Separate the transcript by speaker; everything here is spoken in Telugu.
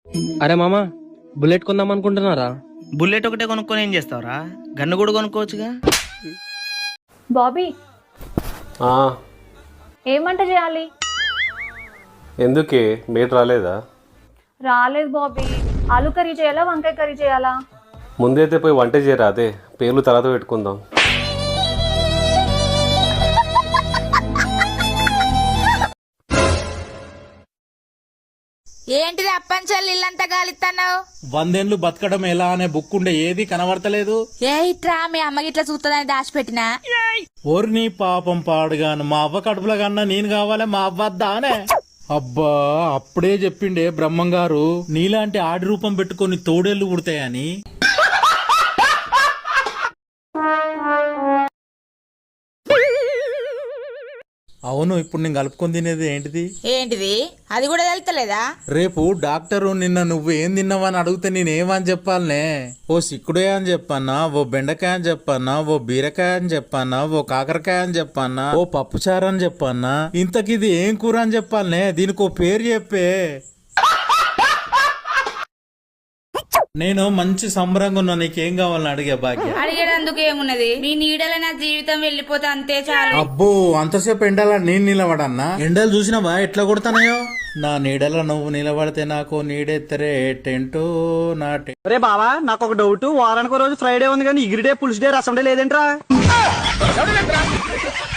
Speaker 1: అరే మామ, బుల్లెట్ కొందాం అనుకుంటున్నారా?
Speaker 2: బుల్లెట్ ఒకటే కొనుక్కొని ఏం చేస్తావురా? గన్ను కూడా కొనుక్కోవచ్చుగా.
Speaker 3: బాబీ,
Speaker 4: ఆ,
Speaker 3: ఏం వంట చేయాలి?
Speaker 4: ఎందుకే మీరు రాలేదా?
Speaker 3: రాలేదు బాబీ. ఆలు కర్రీ చేయాలా, వంకాయ కర్రీ చేయాలా?
Speaker 4: ముందైతే పోయి వంట చేయరా, అదే పేర్లు తర్వాత పెట్టుకుందాం.
Speaker 5: ఏంటిది అప్పంచల్ ఇల్లంతా గాలిస్తున్నావు?
Speaker 6: 100 ఏళ్ళు బతకడం ఎలా అనే బుక్ ఉండే ఏది కనబడతలేదు.
Speaker 5: ఏ ఇట్రా మీ అమ్మకి ఇట్లా చూస్తుందని దాచిపెట్టినా.
Speaker 6: ఓర్ని పాపం పాడుగాను, మా అవ్వ కడుపుల కన్నా నేను కావాలి, మా అవ్వ వద్దానే. అబ్బా, అప్పుడే చెప్పిండే బ్రహ్మంగారు నీలాంటి ఆడి రూపం పెట్టుకొని తోడేళ్లు పుడతాయని. అవును, ఇప్పుడు నేను కలుపుకొని తినేది ఏంటిది?
Speaker 5: ఏంటిది అది కూడా తెలుస్తలేదా?
Speaker 6: రేపు డాక్టరు నిన్న నువ్వు ఏం తిన్నావని అడిగితే నేనేమని చెప్పాలనే? ఓ సిక్కుడే అని చెప్పన్నా, ఓ బెండకాయ అని చెప్పన్నా, ఓ బీరకాయ అని చెప్పన్నా, ఓ కాకరకాయ అని చెప్పన్నా, ఓ పప్పుచారు అని చెప్పన్నా. ఇంతకిది ఏం కూర అని చెప్పాలనే? దీనికి ఓ పేరు చెప్పే. నేను మంచి సంబరంగా ఉన్నా, నీకేం కావాలని అడిగే భాగ్యం.
Speaker 5: అడిగేటందుకు ఏమున్నది? మీ నీడల నా జీవితం వెళ్ళిపోతే అంతే చాలు.
Speaker 6: అబ్బో, అంతసేపు ఎండలా నేను నిలబడన్నా? ఎండలు చూసినావా ఎట్లా కొడతానయో? నా నీడలో నువ్వు నిలబడితే నాకు నీడెత్తరే టెంటో నా
Speaker 1: అరే బావా, నాకు ఒక డౌట్. వారానికి రోజు ఫ్రైడే ఉంది కానీ ఇగిరిడే పులుసు డే రసం డే లేదేంట్రా?